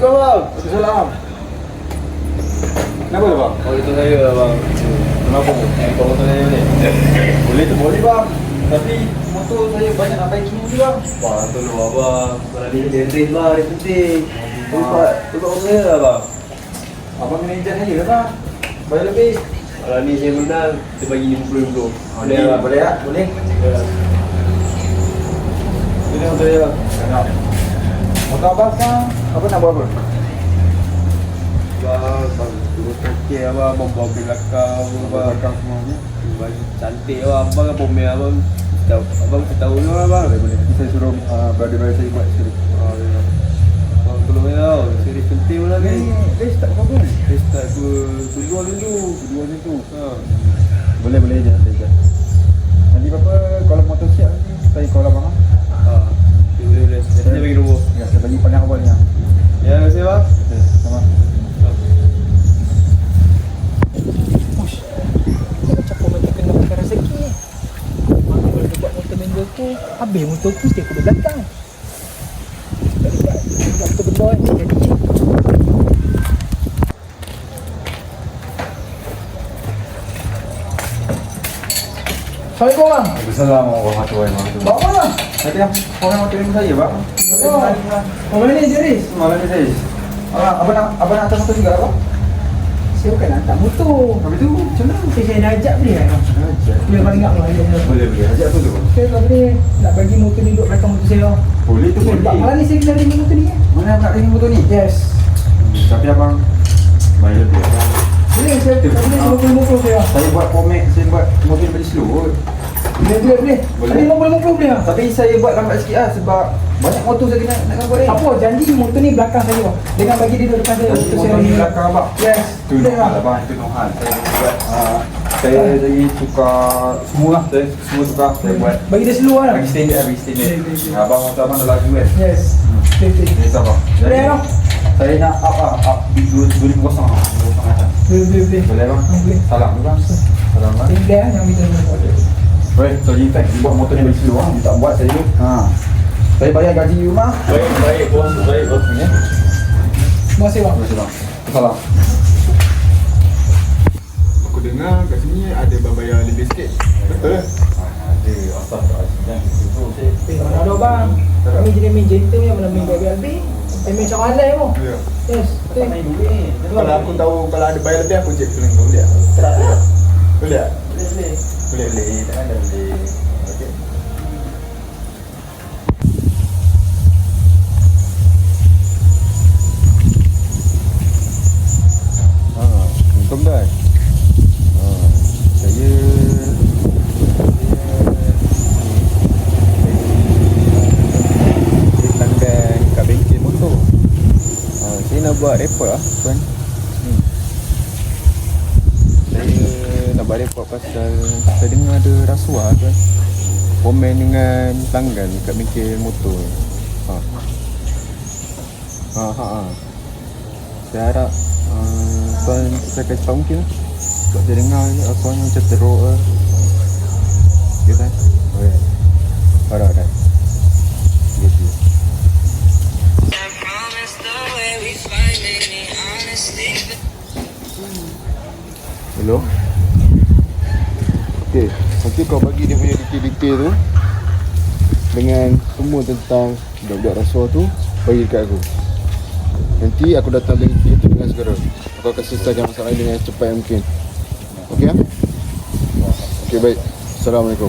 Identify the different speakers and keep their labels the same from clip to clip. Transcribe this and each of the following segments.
Speaker 1: Assalamualaikum bang. Waalaikumsalam. Kenapa tu bang?
Speaker 2: Oh itu saya bang.
Speaker 1: Kenapa tu? Kau motor saya ni? Boleh tu boleh bang. Tapi motor saya banyak nak baiking ni bang.
Speaker 2: Bang tolong abang. Kalau dia race lah, dia penting. Tolong saya lah bang.
Speaker 1: Abang kena ejen saya lah bang. Bayar lebih.
Speaker 2: Kalau ni saya menang, kita bagi RM50.
Speaker 1: Boleh tak? Boleh tak? Boleh? Ini motor saya bang. Kenapa? Motor abang sekarang apa nak buat apa?
Speaker 2: Bang, turut okey abang, bawa belakang abang.
Speaker 1: Belakang semua ni.
Speaker 2: Bagi cantik abang, abang apa punya abang. Abang kita tahu ni abang.
Speaker 1: Boleh. Nanti saya suruh brother-brother saya buat sendiri.
Speaker 2: Bang tolong saya tau, series penting pun lagi.
Speaker 1: Race tak apa-apa ni?
Speaker 2: Race start berdua dulu.
Speaker 1: Kedua macam tu. Boleh je saya je. Nanti apa kalau motor siap nanti saya call abang.
Speaker 2: Boleh. Saya bagi nombor.
Speaker 1: Ya, saya bagi pandang awal ni.
Speaker 2: Ya, terima kasih bang.
Speaker 1: Okey, sama.
Speaker 3: Ush, macam motor kena makan rezeki ni. Mana boleh buat motor manual tu, habis motor tu mesti aku di belakang. Buat motor benda ni jadi. Assalamualaikum bang.
Speaker 1: Assalamualaikum warahmatullahi wabarakatuh.
Speaker 3: Bawa bang.
Speaker 1: Tadi orang motor ni saya bang.
Speaker 3: Mana ni Jeris?
Speaker 1: Malam ni saya. Abang nak hantar motor juga abang?
Speaker 3: Saya bukan nak hantar motor.
Speaker 1: Habis tu macam mana?
Speaker 3: Saya nak ajak beli kan?
Speaker 1: Ajak.
Speaker 3: Boleh bang ingat bang ajak.
Speaker 1: Boleh. Ajak tu tu.
Speaker 3: Saya tak boleh nak bagi motor ni duduk belakang motor saya.
Speaker 1: Boleh tu boleh.
Speaker 3: Malam ni saya kena ringi motor ni.
Speaker 1: Mana abang nak ringi motor ni?
Speaker 3: Yes.
Speaker 1: Tapi abang bayar lebih abang.
Speaker 3: Boleh saya motor saya.
Speaker 1: Saya buat format, saya buat motor bagi slow.
Speaker 3: Boleh.
Speaker 1: Boleh.
Speaker 3: Ada 50 boleh tak?
Speaker 1: Tapi saya buat lambat sikit lah sebab banyak motor saya nak buat ni.
Speaker 3: Apa janji motor ni belakang saya dengan bagi dia duduk depan saya.
Speaker 1: Jadi motor ni belakang abang.
Speaker 3: Yes.
Speaker 1: Tu Nohan abang, itu Nohan. Saya buat saya lagi tukar semua lah. Saya semua tukar, saya buat
Speaker 3: Bagi dia slow lah.
Speaker 1: bagi standard.
Speaker 3: Boleh.
Speaker 1: Abang motor abang dah laju kan?
Speaker 3: Yes. Betul.
Speaker 1: Yes abang.
Speaker 3: Boleh abang.
Speaker 1: Saya nak up 2000 macam.
Speaker 3: Boleh.
Speaker 1: Boleh bang?
Speaker 3: Boleh.
Speaker 1: Salam tu bang. Salam bang.
Speaker 3: Tinggal yang kita buat.
Speaker 1: Boleh, so Jintan, dia buat motor ni bagi slow dia tak buat saya dulu. Saya bayar gaji rumah.
Speaker 2: Baik bos.
Speaker 1: Ya.
Speaker 3: Terima kasih bang.
Speaker 1: Terima kasih bang. Salam.
Speaker 4: Aku dengar kat sini ada bayar lebih sikit. Betul?
Speaker 1: Ada asal tak ada. Itu saya
Speaker 3: Mana ada bang. Kami jadi main gentle yang mana main BBLB. Main macam halal pun.
Speaker 4: Ya.
Speaker 3: Yes. Betul.
Speaker 1: main duit.
Speaker 4: Kalau aku tahu kalau ada bayar lebih aku cek feeling kau boleh tak? Boleh tak?
Speaker 1: Boleh. Takkan dah boleh. Okey. Untung dah. Saya pelanggan kat bengkel motor. Saya nak buat report lah tuan. Saya nak buat report pasal saya dengar ada rasuah tuan. Komen dengan pelanggan kat bengkel motor. Saya harap tuan saya cepat mungkin lah. Sebab saya dengar rasuahnya macam teruk lah. Okay tuan? Okay. Harap. Gitu. Hello? Okey kau bagi dia punya detail-detail tu dengan semua tentang budak-budak rasuah tu, bagi dekat aku. Nanti aku datang bengkel tu dengan segera. Aku akan selesaikan masalah ini dengan cepat yang mungkin. Okey ah? Okey baik. Assalamualaikum.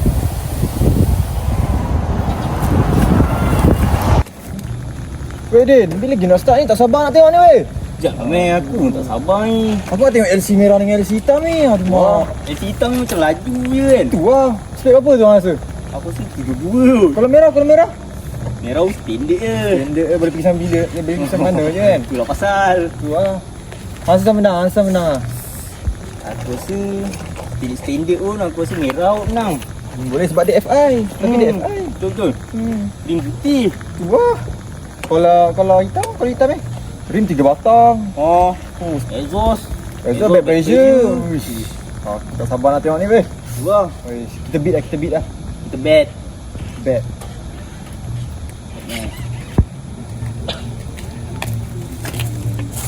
Speaker 3: Weh Din, bila lagi nak start ni? Tak sabar nak tengok ni weh.
Speaker 5: Sekejap lah meh, aku tak sabar ni.
Speaker 3: Aku nak tengok LC merah dengan LC hitam ni. Aduh mak.
Speaker 5: LC hitam ni macam laju je kan.
Speaker 3: Tu lah. Spek apa tu rasa?
Speaker 5: Aku rasa 72.
Speaker 3: Kalau merah?
Speaker 5: Merah standard je.
Speaker 3: Benda boleh pergi sambil dia. Dia boleh pergi sambil mana je kan?
Speaker 5: Itulah pasal.
Speaker 3: Tu lah. Hansa menang.
Speaker 5: Aku rasa standard pun aku rasa merah kot menang.
Speaker 3: Boleh sebab dia FI. Tapi dia FI.
Speaker 5: Betul. Rim putih.
Speaker 3: Tu lah. Kalau hitam rim 3 batang.
Speaker 5: Oh. Exhaust
Speaker 3: Back pressure. Uish. Tak sabar nak tengok ni weh.
Speaker 5: Tu lah.
Speaker 3: Uish. Kita beat lah.
Speaker 5: Kita bet.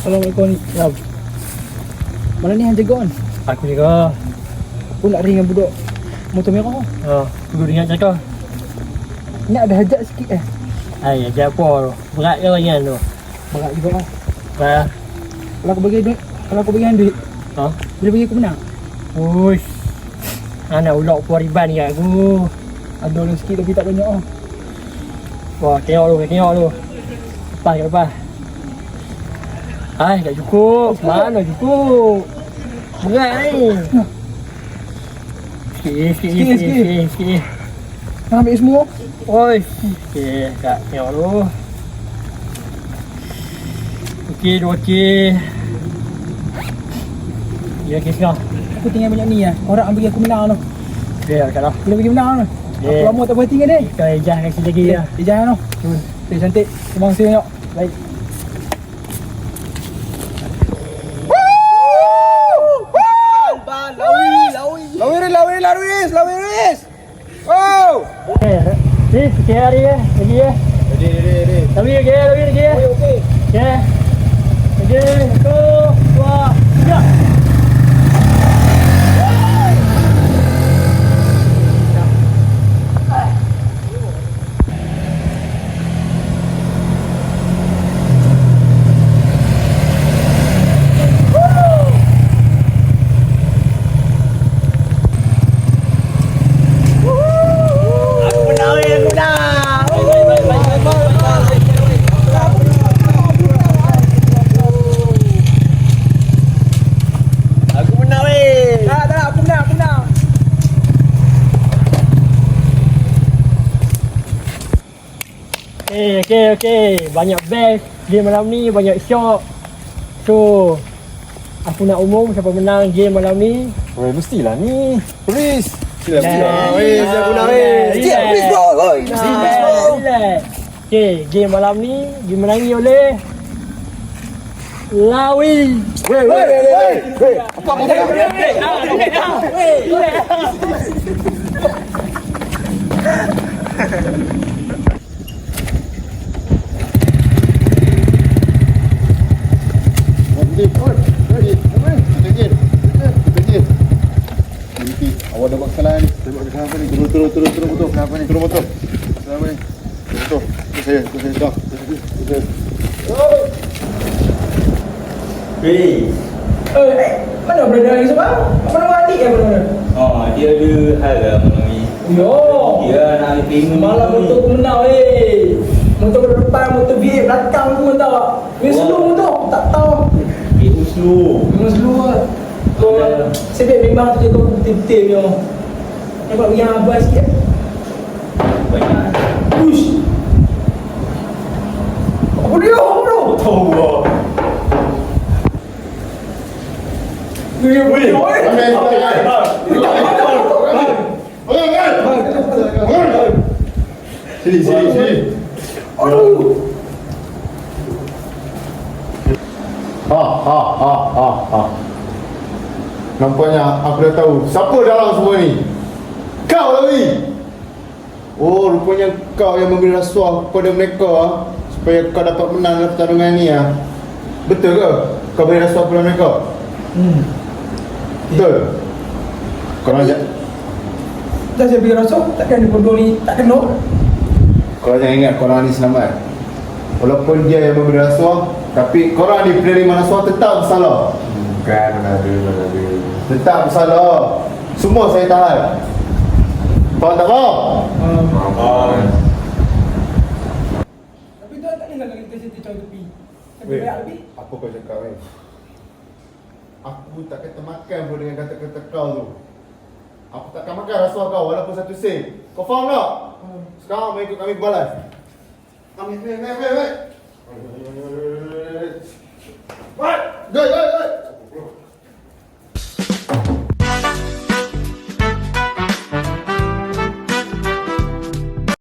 Speaker 3: Assalamualaikum ni. Rob. Mana ni yang jaga kan?
Speaker 6: Aku juga.
Speaker 3: Aku nak ring dengan budak motor merah.
Speaker 6: Tunggu dengar cakap.
Speaker 3: Ni ada hajat sikit
Speaker 6: Ay, ajar apa tu? Berat ke bagian tu?
Speaker 3: Berat juga lah.
Speaker 6: Berat.
Speaker 3: Kalau aku bagi duit, kalau aku bagi duit,
Speaker 6: Ha?
Speaker 3: bila bagi aku menang.
Speaker 6: Uish. Anak ulok puariban ni kat aku.
Speaker 3: Ada orang sikit tapi tak banyak ah.
Speaker 6: Wah, tengok lu. Lepas ke lepas? Ay, tak cukup. Mana cukup? Berat ni. Sikit.
Speaker 3: Nak ambil semua.
Speaker 6: Oi. Okey, tak tengok dulu. Okey, 2 okey. Ya, okey sekarang.
Speaker 3: Aku tinggal banyak ni lah. Orang bagi aku menang tu.
Speaker 6: Okey, sekarang.
Speaker 3: Bila bagi menang tu.
Speaker 6: Yeah.
Speaker 3: Aku lama tak berhenti dengan dia.
Speaker 6: Kita ejah kasi lagi ya.
Speaker 3: Dia jangan tu. Okay, cantik. Terima kasih banyak. Baik.
Speaker 4: Lawis. Oh.
Speaker 6: Okey, sikit hari ya. Lagi ya.
Speaker 1: Ready.
Speaker 6: Lagi ya. Okey. Okey. Lagi 1, 2, 3. Okey. Banyak best game malam ni, banyak shock. So, aku nak umum siapa menang game malam ni.
Speaker 1: Oh, mestilah ni. Please. Sila.
Speaker 4: Aku nak
Speaker 6: Please bro. Okey, game malam ni dimenangi oleh Lawi.
Speaker 1: Apa awak dah buat kesalahan ni. Tengok kenapa ni. Turun motor. Kenapa ni? Turun motor. Kenapa ni? Motor. Itu saya. Dah.
Speaker 2: Hei.
Speaker 3: Mana berada lagi sebab? Apa nama adik yang berada?
Speaker 2: Oh, dia ada hal lah malam ni.
Speaker 3: Yo.
Speaker 2: Dia nak terima
Speaker 3: Malam motor aku menang motor depan, motor V8 belakang semua tahu tak? Memang slow motor, tak tahu.
Speaker 2: Itu slow.
Speaker 3: Memang slow lah. Sebab memang tu jaga betul-betul punya. Nampak pergi yang abang sikit.
Speaker 2: Banyak.
Speaker 3: Push. Apa dia bro?
Speaker 2: Tahu lah.
Speaker 1: Sini.
Speaker 3: Aduh.
Speaker 1: Ha. Nampaknya aku dah tahu siapa dalam semua ni. Kau Lawi. Oh, rupanya kau yang memberi rasuah kepada mereka supaya kau dapat menang dalam pertarungan ni ah. Betul ke? Kau beri rasuah kepada mereka? Betul. Kau nak
Speaker 3: Dah saya bagi rasa, takkan dia bodoh ni tak kena.
Speaker 1: Kau jangan ingat korang ni selamat. Walaupun dia yang memberi rasuah, tapi korang ni penerima rasuah tetap bersalah. Bukan, mana ada. Tetap bersalah. Semua saya tahan. Faham tak faham?
Speaker 3: Tapi tuan tak dengar lagi kita cerita tepi. Tapi banyak lebih.
Speaker 1: Apa kau cakap ni? Aku takkan termakan pun dengan kata-kata kau tu. Aku takkan makan rasuah kau walaupun satu sen. Kau faham tak? Sekarang mari ikut kami balas. Ambil. Wait. Go.